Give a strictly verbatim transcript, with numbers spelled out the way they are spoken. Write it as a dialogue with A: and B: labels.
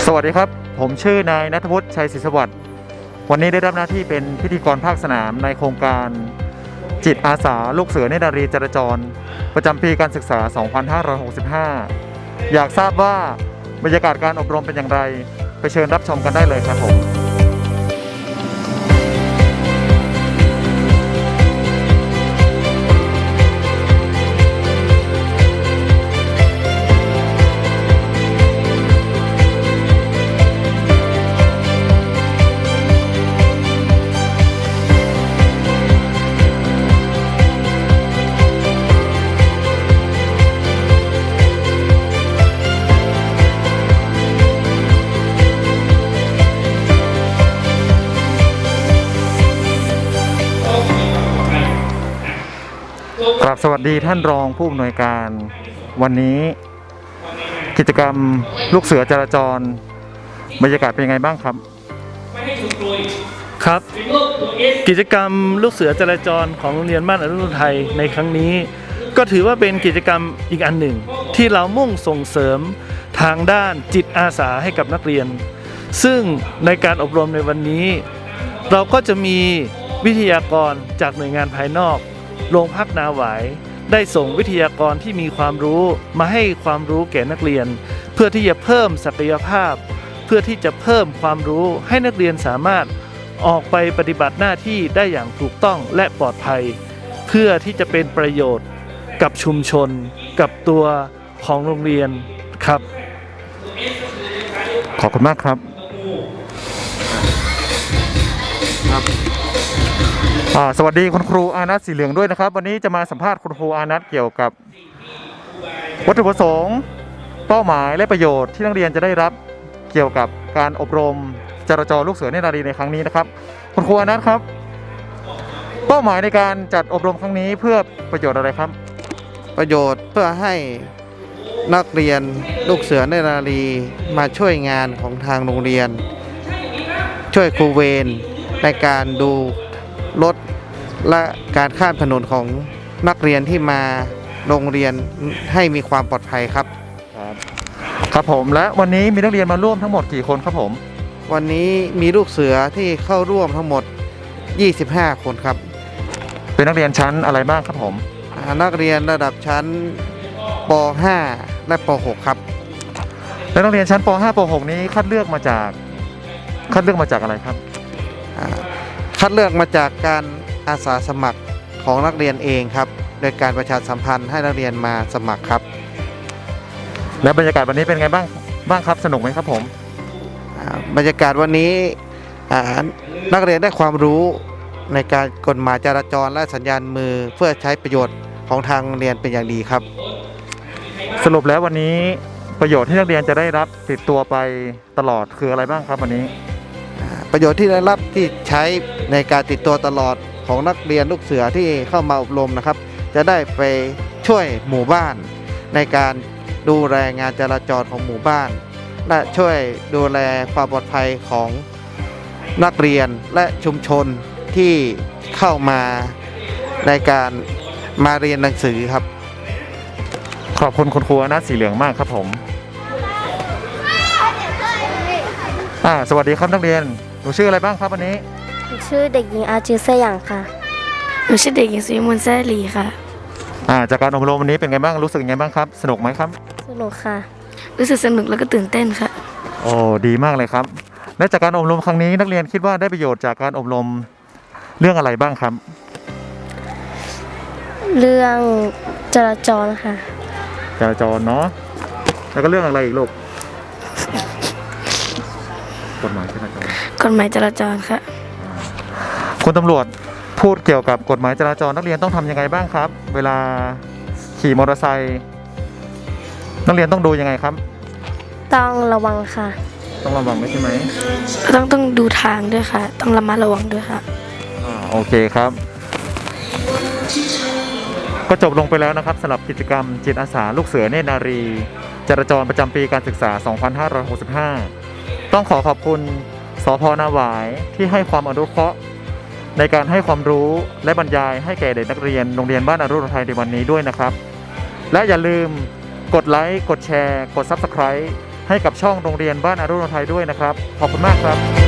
A: สวัสดีครับผมชื่อนายณัฐวุฒิชัยศรีสวัสดิ์วันนี้ได้รับหน้าที่เป็นพิธีกรภาคสนามในโครงการจิตอาสาลูกเสือเนตรนารีจราจรประจำปีการศึกษา สองพันห้าร้อยหกสิบห้า อยากทราบว่าบรรยากาศการอบรมเป็นอย่างไรไปเชิญรับชมกันได้เลยครับผมครับสวัสดีท่านรองผู้อำนวยการวันนี้กิจกรรมลูกเสือจราจรบรรยากาศเป็นยังไงบ้างครับ
B: ครับกิจกรรมลูกเสือจราจรของโรงเรียนบ้านอรุณไทยในครั้งนี้ก็ถือว่าเป็นกิจกรรมอีกอันหนึ่งที่เรามุ่งส่งเสริมทางด้านจิตอาสาให้กับนักเรียนซึ่งในการอบรมในวันนี้เราก็จะมีวิทยากรจากหน่วยงานภายนอกโรงพักนาหวายได้ส่งวิทยากรที่มีความรู้มาให้ความรู้แก่นักเรียนเพื่อที่จะเพิ่มศักยภาพเพื่อที่จะเพิ่มความรู้ให้นักเรียนสามารถออกไปปฏิบัติหน้าที่ได้อย่างถูกต้องและปลอดภัยเพื่อที่จะเป็นประโยชน์กับชุมชนกับตัวของโรงเรียนครับ
A: ขอบคุณมากครับครับสวัสดีคุณครูอานัทสีเหลืองด้วยนะครับวันนี้จะมาสัมภาษณ์คุณครูอานัทเกี่ยวกับวัตถุประสงค์เป้าหมายและประโยชน์ที่นักเรียนจะได้รับเกี่ยวกับการอบรมจราจรลูกเสือเนตรนารีในครั้งนี้นะครับคุณครูอานัทครับเป้าหมายในการจัดอบรมครั้งนี้เพื่อประโยชน์อะไรครับ
C: ประโยชน์เพื่อให้นักเรียนลูกเสือเนตรนารีมาช่วยงานของทางโรงเรียนช่วยครูเวรในการดูรถและการข้ามถนนของนักเรียนที่มาโรงเรียนให้มีความปลอดภัยครับ
A: ครับครับผมและวันนี้มีนักเรียนมาร่วมทั้งหมดกี่คนครับผม
C: วันนี้มีลูกเสือที่เข้าร่วมทั้งหมดยี่สิบห้าคนครับ
A: เป็นนักเรียนชั้นอะไรบ้างครับผม
C: นักเรียนระดับชั้นป ห้า และป หก ครับ
A: และนักเรียนชั้นป ห้า ป หก นี้คัดเลือกมาจากคัดเลือกมาจากอะไรครับ
C: คัดเลือกมาจากการอาสาสมัครของนักเรียนเองครับโดยการประชาสัมพันธ์ให้นักเรียนมาสมัครครับ
A: และบรรยากาศวันนี้เป็นไงบ้างบ้างครับสนุกไหมครับผม
C: บรรยากาศวันนี้นักเรียนได้ความรู้ในการกฎหมายจราจรและสัญญาณมือเพื่อใช้ประโยชน์ของทางโรงเรียนเป็นอย่างดีครับ
A: สรุปแล้ววันนี้ประโยชน์ที่นักเรียนจะได้รับติดตัวไปตลอดคืออะไรบ้างครับวันนี้
C: ประโยชน์ที่ได้รับที่ใช้ในการติดตัวตลอดของนักเรียนลูกเสือที่เข้ามาอบรมนะครับจะได้ไปช่วยหมู่บ้านในการดูแลงานจราจรของหมู่บ้านและช่วยดูแลความปลอดภัยของนักเรียนและชุมชนที่เข้ามาในการมาเรียนหนังสือครับ
A: ขอบคุณคุณครูอานัทสีเหลืองมากครับผมอ่าสวัสดีครับนักเรียนหนูชื่ออะไรบ้างครับวันนี้
D: หนูชื่อเด็กหญิงอาจือเซยังค่ะ
E: หนูชื่อเด็กหญิงสุวิมลแซ่ลีค่ะ
A: อ่าจากการอบรมวันนี้เป็นไงบ้างรู้สึกยังไงบ้างครับสนุกไหมครับ
D: สนุกค่ะ
E: รู้สึกสนุกแล้วก็ตื่นเต้นค่ะ
A: โอ้ดีมากเลยครับและจากการอบรมครั้งนี้นักเรียนคิดว่าได้ประโยชน์จากการอบรมเรื่องอะไรบ้างครับ
D: เรื่องจราจรค่ะ
A: จราจรเนาะแล้วก็เรื่องอะไรอีกลูกกฎหมายจราจร
E: กฎหมายจราจรค่ะ
A: คุณตำรวจพูดเกี่ยวกับกฎหมายจราจรนักเรียนต้องทำยังไงบ้างครับเวลาขี่มอเตอร์ไซค์นักเรียนต้องดูยังไงครับ
D: ต้องระวังค่ะ
A: ต้องระวังไหมใช่ไหม
E: ต้องต้องดูทางด้วยค่ะต้องระมัดระวังด้วยค่ะ
A: อ่าโอเคครับก็จบลงไปแล้วนะครับสำหรับกิจกรรมจิตอาสาลูกเสือเนตรนารีจราจรประจำปีการศึกษา สองพันห้าร้อยหกสิบห้า ต้องขอขอบคุณสภ.นาหวายที่ให้ความอนุเคราะห์ในการให้ความรู้และบรรยายให้แก่เด็กนักเรียนโรงเรียนบ้านอรุณไทยในวันนี้ด้วยนะครับและอย่าลืมกดไลค์กดแชร์กด ซับสไครบ์ให้กับช่องโรงเรียนบ้านอรุณไทยด้วยนะครับขอบคุณมากครับ